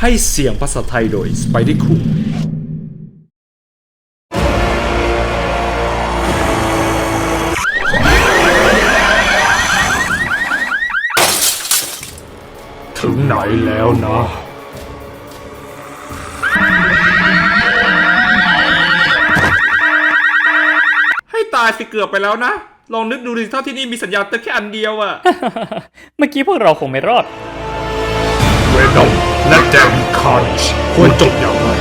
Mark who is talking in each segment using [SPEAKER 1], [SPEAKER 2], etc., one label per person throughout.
[SPEAKER 1] ให้เสียงภาษาไทยโดย Spidey Cool
[SPEAKER 2] ถึงไหนแล้วนะ
[SPEAKER 1] ให้ตายสิเกือบไปแล้วนะ ลองนึกดูดิถ้าที่นี่มีสัญญาณเตือนแค่อันเดียวอะ
[SPEAKER 3] เมื่อกี้พวกเราคงไม่รอด
[SPEAKER 2] เวนอมและเดวิดคาร์ชควรจบอย่างไร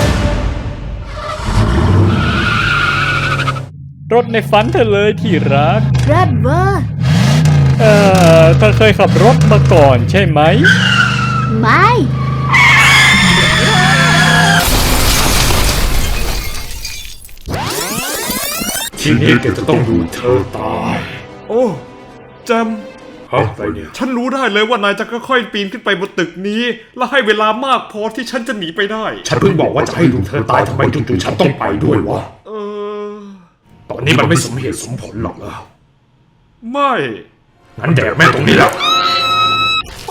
[SPEAKER 3] รถในฝันเธอเลยที่รัก
[SPEAKER 4] เลิศเวอร์
[SPEAKER 3] เธอเคยขับรถมาก่อนใช่ไหม
[SPEAKER 4] ไม่
[SPEAKER 2] ทีนี้แกจะต้องดูเธอตาย
[SPEAKER 1] โอ้แจม
[SPEAKER 2] อะไรเนี่ย
[SPEAKER 1] ฉันรู้ได้เลยว่านายจะค่อยๆปีนขึ้นไปบนตึกนี้ และให้เวลามากพอที่ฉันจะหนีไปได้
[SPEAKER 2] ฉันเพิ่งบอกว่าจะให้ดูเธอตายทำไมจู่ๆฉันต้องไปด้วยวะ ตอนนี้มันไม่สมเหตุสมผลหรอกเหรอ
[SPEAKER 1] ไม่
[SPEAKER 2] งั้นแดกแม่งตรงนี้แล้ว
[SPEAKER 1] ไป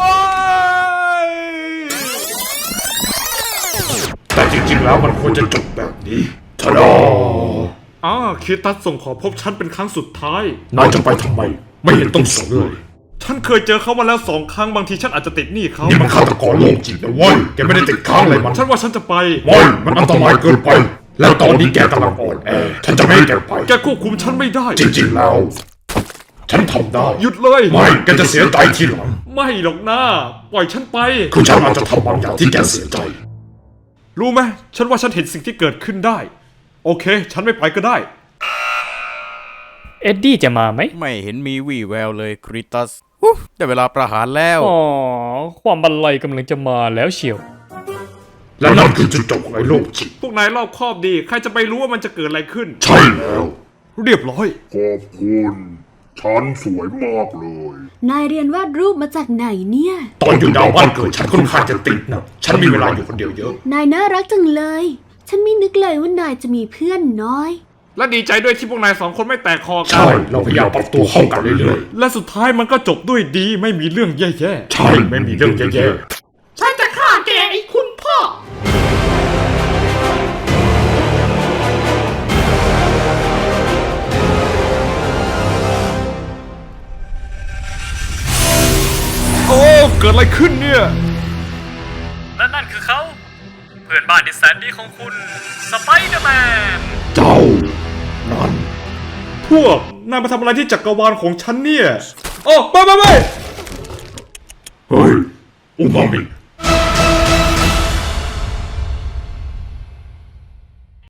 [SPEAKER 2] แต่จริงๆแล้วมันควรจะจบแบบนี้ทะดอ
[SPEAKER 1] คิตัสส่งขอพบฉันเป็นครั้งสุดท้าย
[SPEAKER 2] นายจะไปทำไม ไม่เห็นต้องสนเลย
[SPEAKER 1] ฉันเคยเจอเขามาแล้ว2 ครั้งบางทีฉันอาจจะติดหนี้เขา
[SPEAKER 2] นี่มันฆาตกรโรคจิตนะเว้ย แกไม่ได้ติดค้างอะไรมัน
[SPEAKER 1] ฉันว่าฉันจะไป
[SPEAKER 2] เว้ยมันอันตรายเกินไป แล้วตอนนี้แกกำลังอ่อนแอ ฉันจะไม่ให้แกไป
[SPEAKER 1] แกควบคุมฉันไม่ได้
[SPEAKER 2] จริงๆแล้ว ฉันทำได้
[SPEAKER 1] หยุดเลย
[SPEAKER 2] ไม่แกจะเสียใจทีหลัง
[SPEAKER 1] ไม่หรอกนะปล่อยฉันไป
[SPEAKER 2] คือฉันอาจจะทำบางอย่างที่แกเสียใจ
[SPEAKER 1] รู้ไหมฉันว่าฉันเห็นสิ่งที่เกิดขึ้นได้ โอเค ฉันไม่ไปก็ได้
[SPEAKER 3] เอ็ดดี้จะมาไหม
[SPEAKER 5] ไม่เห็นมีวี่แววเลยคริตัสได้เวลาประหารแล้ว
[SPEAKER 3] อ๋อ ความบันไลกำลังจะมาแล้วเชียว
[SPEAKER 2] และนั่นคือจุดจบของไอ้โรคจิต
[SPEAKER 1] พวกนายรอบคอบดี ใครจะไปรู้ว่ามันจะเกิดอะไรขึ้น
[SPEAKER 2] ใช่แล้ว
[SPEAKER 1] เรียบร้อย
[SPEAKER 6] ขอบคุณ ฉันสวยมากเลย
[SPEAKER 4] นายเรียนวาดรูปมาจากไหนเนี่ย
[SPEAKER 2] ตอนอยู่ดาวบ้านเกิดฉันค่อนข้างจะติดนะ ฉันมีเวลาอยู่คนเดียวเยอะ
[SPEAKER 4] นายน่ารักจังเลย ฉันไม่นึกเลยว่านายจะมีเพื่อนน้อย
[SPEAKER 1] และดีใจด้วยที่พวกนาย2 คนไม่แตกคอกั
[SPEAKER 2] ใช่ เราพยายามปรับตัวเข้ากันเรื่อย
[SPEAKER 1] และสุดท้ายมันก็จบด้วยดีไม่มีเรื่องแย่
[SPEAKER 2] ๆ ใช่ ไม่มีเรื่องแย่
[SPEAKER 1] ๆฉันจะฆ่าแกไอ้คุณพ่อ โอ้เกิดอะไรขึ้นเนี่ย
[SPEAKER 3] และนั่นคือเขา เพื่อนบ้านที่แสนดีของคุณสไปเดอร์แมน
[SPEAKER 2] ๆ เจ้า นั่น
[SPEAKER 1] พวกนายมาทำอะไรที่จักรวาลของฉันเนี่ย โอ้ไป
[SPEAKER 2] เฮ้ย อุมามิ